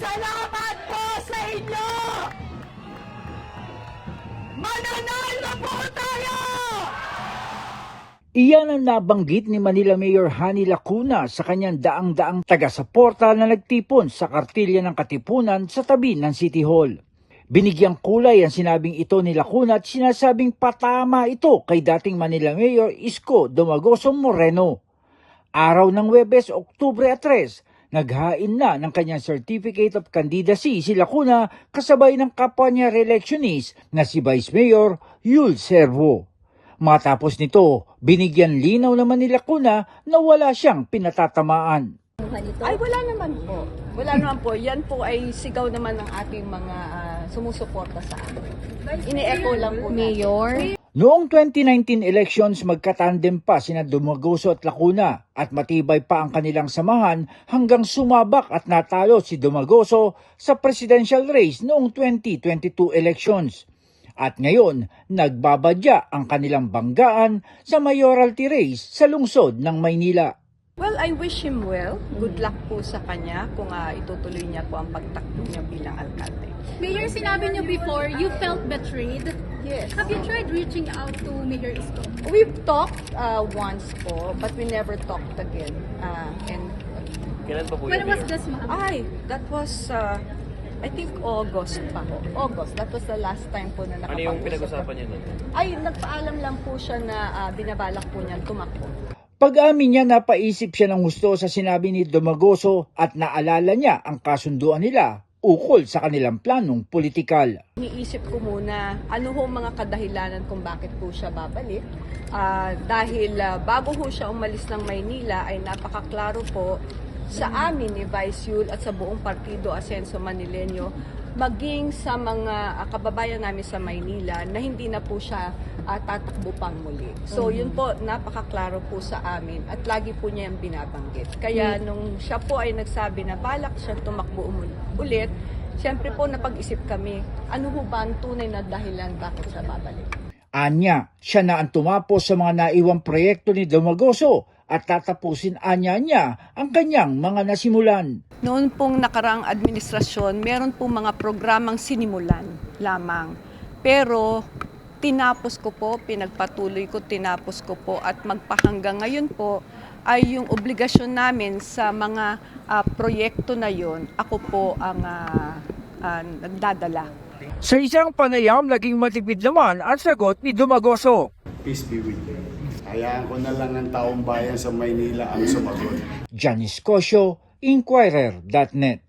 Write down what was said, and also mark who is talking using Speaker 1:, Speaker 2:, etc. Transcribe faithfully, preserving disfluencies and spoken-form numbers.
Speaker 1: Salamat po sa inyo! Mananalo po tayo!
Speaker 2: Iyan ang nabanggit ni Manila Mayor Hani Lacuna sa kanyang daang-daang taga-suporta na nagtipon sa kartilya ng Katipunan sa tabi ng City Hall. Binigyang kulay ang sinabing ito ni Lacuna at sinasabing patama ito kay dating Manila Mayor Isko Dumagoso Moreno. Araw ng Huwebes, Oktubre tres, naghain na ng kanyang Certificate of Candidacy si Lacuna kasabay ng kapwa niya re-electionist na si Vice Mayor Yul Servo. Matapos nito, binigyan linaw naman ni Lacuna na wala siyang pinatatamaan.
Speaker 3: Ay, wala naman po. Wala naman po. Yan po ay sigaw naman ng ating mga uh, sumusuporta sa amin. Ini-echo lang po.
Speaker 4: Mayor?
Speaker 2: Noong twenty nineteen elections, magkatandem pa sina Dumagoso at Lacuna at matibay pa ang kanilang samahan hanggang sumabak at natalo si Dumagoso sa presidential race noong twenty twenty-two elections. At ngayon, nagbabadya ang kanilang banggaan sa mayoralty race sa lungsod ng Maynila.
Speaker 3: Well, I wish him well. Good luck po sa kanya kung uh, itutuloy niya po ang pagtakbo niya bilang alkalde.
Speaker 4: Mayor, sinabi niyo before, you felt betrayed.
Speaker 3: Yes.
Speaker 4: Have you tried reaching out to Mayor Isko?
Speaker 3: We've talked uh, once po, but we never talked again. Uh, and
Speaker 5: Kailan pa po
Speaker 4: When
Speaker 5: yun,
Speaker 4: was
Speaker 5: Mayor?
Speaker 4: this, ma'am?
Speaker 3: Ay, that was, uh, I think August pa po. August, that was the last time po na
Speaker 5: Ano
Speaker 3: nakapag-usap.
Speaker 5: yung pinag-usapan niyo nun?
Speaker 3: Ay, nagpaalam lang po siya na uh, binabalak po niya tumakbo.
Speaker 2: Pag-amin niya, napaisip siya ng gusto sa sinabi ni Dumagoso at naalala niya ang kasunduan nila ukol sa kanilang planong politikal.
Speaker 3: Iniisip ko muna ano ho mga kadahilanan kung bakit po siya babalik. Ah, dahil ah, bago ho siya umalis ng Maynila ay napakaklaro po sa amin ni Vice Yul at sa buong partido Asenso Manileño, maging sa mga ah, kababayan namin sa Maynila na hindi na po siya ah, tatakbo pang muli. So yun po, napakaklaro po sa amin at lagi po niya yung binabanggit. Kaya nung siya po ay nagsabi na balak siya tumakbo umul- ulit, siyempre po napag-isip kami, ano ho ba ang tunay na dahilan bakit siya babalik?
Speaker 2: Anya, siya na ang tumapos sa mga naiwang proyekto ni Dumagoso at tatapusin anya niya ang kanyang mga nasimulan.
Speaker 3: Noon pong nakaraang administrasyon, meron pong mga programang sinimulan lamang. Pero tinapos ko po, pinagpatuloy ko, tinapos ko po at magpahanggang ngayon po ay yung obligasyon namin sa mga uh, proyekto na yon. Ako po ang uh, uh, nagdadala.
Speaker 2: Sa isang panayam, naging matipid naman ang sagot ni Dumagoso.
Speaker 6: Peace be with you. Hayaan ko na lang ang taong bayan sa Maynila ang sumagot.
Speaker 2: Janice Cosio, Inquirer dot net.